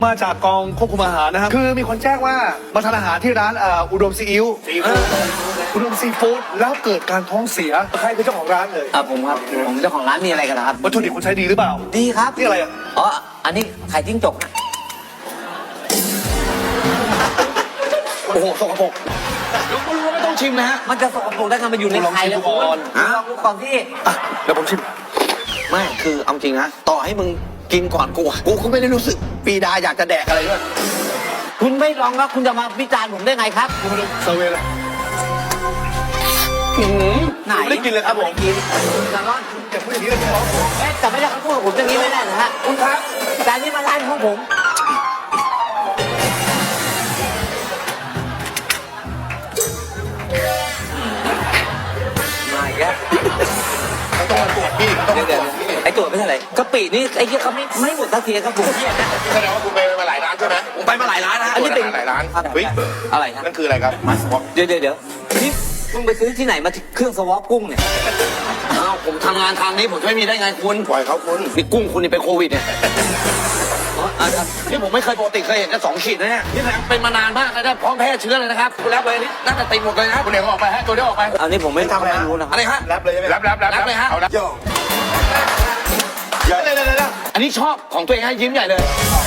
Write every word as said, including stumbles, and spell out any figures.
มาจากกองควบคุมอาหารนะครับคือมีคนแจ้งว่ามาทานอาหารที่ร้านเอ่ออุดมซีอิ๊วอุดมซีฟู้ดแล้วเกิดการท้องเสียใครคือเจ้าของร้านเลยอ่ะผมครับผมเจ้าของร้านมีอะไรกันนะครับวัตถุดิบคุณใช้ดีหรือเปล่าดีครับนี่อะไรอ่ะอ๋ออันนี้ไข่จิ้งจกนะโอ้โหสกปรกคุณรู้ว่าไม่ต้องชิมนะฮะมันจะสกปรกได้ไงมันอยู่ในไข่แล้วคุณลองดูก่อนที่อ่ะเดี๋ยวผมชิมไม่คือเอาจริงนะต่อให้มึงกินก่อนกูอะกูก็ไม่ได้รู้สึกปีดาอยากจะแดกอะไรด้วยคุณไม่ลองแล้วคุณจะมาวิจารณ์ผมได้ไงครับคุณมาดูเซอร์เวย์เลยไหนไม่ได้กินเลยครับผมไม่ได้กินแต่ว่าอย่าพูดอย่างนี้เลยพี่น้องเอ๊ะแต่ไม่ได้เขาพูดกับผมอย่างนี้ไม่ได้นะฮะคุณครับแต่นี่มาร้านของผมมาอีกแล้วต้องมาตรวจพี่ต้องเดี๋มายวตรเดี๋ยว วจพี่ไอ้ตัวไม่ใช่อะไรกะปินี่ไอ้เหี้ยเขาไม่ไม่หมดสักทีครับผมเนี่ยนะแสดงว่าคุณไปมาหลายร้านใช่ไหมผมไปมาหลายร้านนะอันนี้เป็นหลายร้านครับเฮ้ยอะไรฮะนั่นคืออะไรครับมาสวอปเดี๋ยวเดี๋ยวเดี๋ยวนี่มึงไปซื้อที่ไหนมาเครื่องสวอปกุ้งเนี่ยอ้าวผมทำงานทางนี้ผมจะไม่มีได้ไงคุณปล่อยเขาคุณนี่กุ้งคุณนี่เป็นโควิดเนี่ยอ๋ออ่ะอ่ะนี่ผมไม่เคยปกติเคยเห็นแค่สองขีดนะเนี่ยนี่แหละเป็นมานานมากเลยนะพร้อมแพร่เชื้อเลยนะครับคุณรับเลยนี่น่าจะติดหมดเลยนะคุณเอกออกไปฮะตัวนี้ออกไปอันนี้ผมไม่ทำอะไรรู้นะคอะรับไรฮะรับเลยใช่ไหมรับรับรับรับเลยฮะเอารับโยเดี๋ยวเดี๋ยวเดี๋ยวอันนี้ชอบของตัวเองให้ยิ้มใหญ่เลยอ๋อ